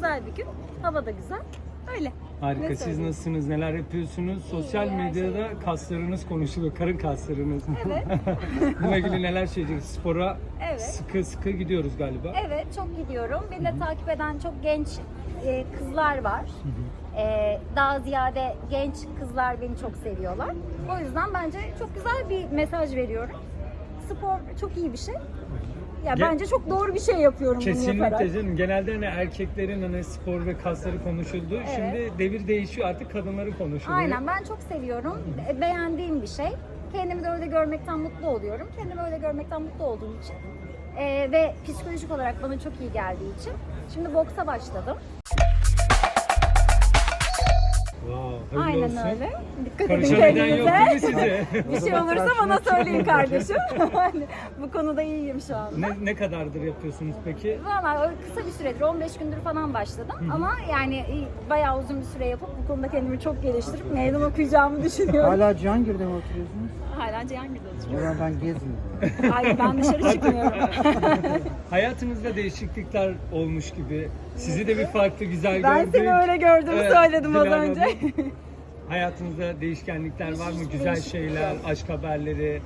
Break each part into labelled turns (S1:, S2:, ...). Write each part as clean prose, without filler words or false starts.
S1: güzel bir gün. Hava da güzel. Öyle.
S2: Harika.
S1: Ne
S2: Siz
S1: söyleyeyim?
S2: nasılsınız? Neler yapıyorsunuz? Sosyal
S1: her
S2: medyada
S1: şey.
S2: kaslarınız konuşuluyor. Karın kaslarınız.
S1: Evet.
S2: Bununla ilgili neler söyleyeceksiniz? Spora
S1: Evet.
S2: sıkı gidiyoruz galiba.
S1: Evet, çok gidiyorum. Beni de takip eden çok genç kızlar var. Daha ziyade genç kızlar beni çok seviyorlar. O yüzden bence çok güzel bir mesaj veriyorum. Spor çok iyi bir şey. Ya bence çok doğru bir şey yapıyorum bunu yaparak.
S2: Kesinlikle canım. Genelde hani erkeklerin hani spor ve kasları konuşuldu.
S1: Evet.
S2: Şimdi devir değişiyor. Artık kadınları konuşuluyor.
S1: Aynen, ben çok seviyorum. Beğendiğim bir şey. Kendimi de öyle görmekten mutlu oluyorum. Kendimi öyle görmekten mutlu olduğum için. Ve psikolojik olarak bana çok iyi geldiği için. Şimdi boksa başladım.
S2: Wow, hayırlı
S1: Aynen
S2: olsun.
S1: öyle. Dikkat edin
S2: Karışan eden yok
S1: kendinize.
S2: değil mi size?
S1: Bir şey olursa bana söyleyin kardeşim. Hani bu konuda iyiyim şu anda.
S2: ne kadardır yapıyorsunuz peki?
S1: Valla kısa bir süredir, 15 gündür falan başladım. Ama yani bayağı uzun bir süre yapıp bu konuda kendimi çok geliştirip meydan okuyacağımı düşünüyorum.
S3: Hala Cihangir'de mi oturuyorsunuz?
S1: Hala Cihangir'de
S3: O
S1: oturuyorum.
S3: zaman ben gezmiyorum.
S1: Hayır, ben dışarı çıkmıyorum.
S2: Hayatınızda değişiklikler olmuş gibi. Sizi de bir farklı güzel
S1: Ben
S2: gördük.
S1: seni öyle gördüğümü söyledim az
S2: Dilara
S1: önce.
S2: Hanım, hayatınızda değişkenlikler var mı? Güzel
S1: değişiklik
S2: şeyler,
S1: yok.
S2: aşk haberleri.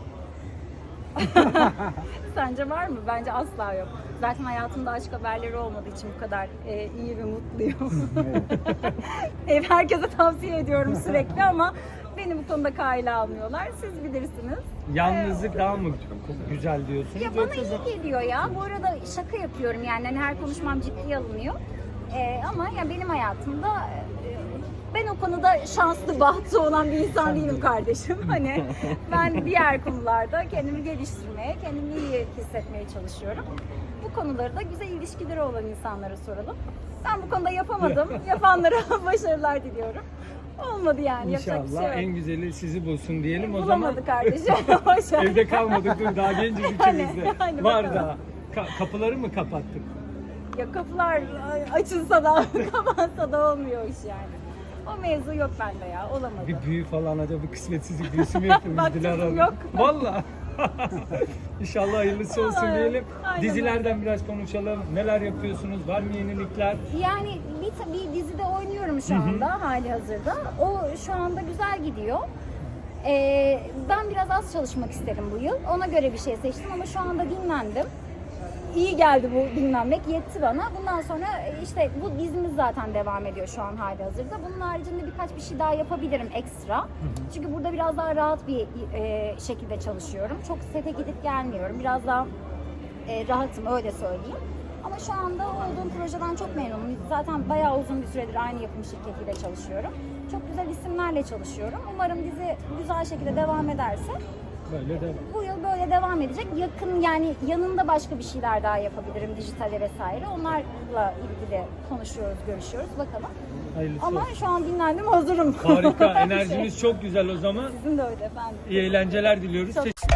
S1: Sence var mı? Bence asla yok. Zaten hayatımda aşk haberleri olmadığı için bu kadar iyi ve mutluyum. Herkese tavsiye ediyorum sürekli ama beni bu konuda kayla almıyorlar. Siz bilirsiniz.
S2: Yalnızlık daha mı güzel diyorsunuz?
S1: Ya bana
S2: Yoksa da-
S1: iyi geliyor ya. Bu arada şaka yapıyorum yani. Hani her konuşmam ciddiye alınıyor. Ama ya benim hayatımda ben o konuda şanslı, bahtı olan bir insan değilim kardeşim. Hani ben diğer konularda kendimi geliştirmeye, kendimi iyi hissetmeye çalışıyorum. Bu konuları da güzel ilişkileri olan insanlara soralım. Ben bu konuda yapamadım. Yapanlara başarılar diliyorum. Olmadı yani. Yapacak bir
S2: İnşallah
S1: şey yok.
S2: en güzeli sizi bulsun diyelim o zaman.
S1: Bulamadı kardeşim. Boş ver.
S2: Evde kalmadık dur daha genciz
S1: Hani,
S2: ikimiz de.
S1: hani
S2: Var
S1: bakalım.
S2: daha. Kapıları mı kapattık?
S1: Ya kapılar açılsa da kapansa da olmuyor iş yani. O mevzu yok bende ya, olamadı.
S2: Bir büyü falan acaba bir kısmetsizlik büyüsü mü yapıyoruz
S1: Baktım,
S2: Dilara Hanım?
S1: yok.
S2: Valla. İnşallah hayırlısı olsun
S1: Aynen,
S2: diyelim.
S1: aynen
S2: Dizilerden biraz konuşalım. Neler yapıyorsunuz? Var mı yenilikler?
S1: Yani bir dizide oynuyorum şu anda hali hazırda. O şu anda güzel gidiyor. Ben biraz az çalışmak isterim bu yıl. Ona göre bir şey seçtim ama şu anda dinlendim. İyi geldi bu dinlenmek, yetti bana. Bundan sonra işte bu dizimiz zaten devam ediyor şu an hali hazırda. Bunun haricinde birkaç bir şey daha yapabilirim ekstra. Çünkü burada biraz daha rahat bir şekilde çalışıyorum. Çok sete gidip gelmiyorum. Biraz daha rahatım, öyle söyleyeyim. Ama şu anda olduğum projeden çok memnunum. Zaten bayağı uzun bir süredir aynı yapım şirketiyle çalışıyorum. Çok güzel isimlerle çalışıyorum. Umarım dizi güzel şekilde devam ederse
S2: Böyle de
S1: bu yıl böyle devam edecek. Yakın yani yanında başka bir şeyler daha yapabilirim, dijitale vesaire. Onlarla ilgili konuşuyoruz, görüşüyoruz. Bakalım.
S2: hayırlısı
S1: Ama
S2: olsun.
S1: şu an dinlendim, hazırım.
S2: Harika. Enerjimiz çok güzel o zaman.
S1: Sizin de öyle efendim.
S2: İyi eğlenceler diliyoruz.
S1: Çok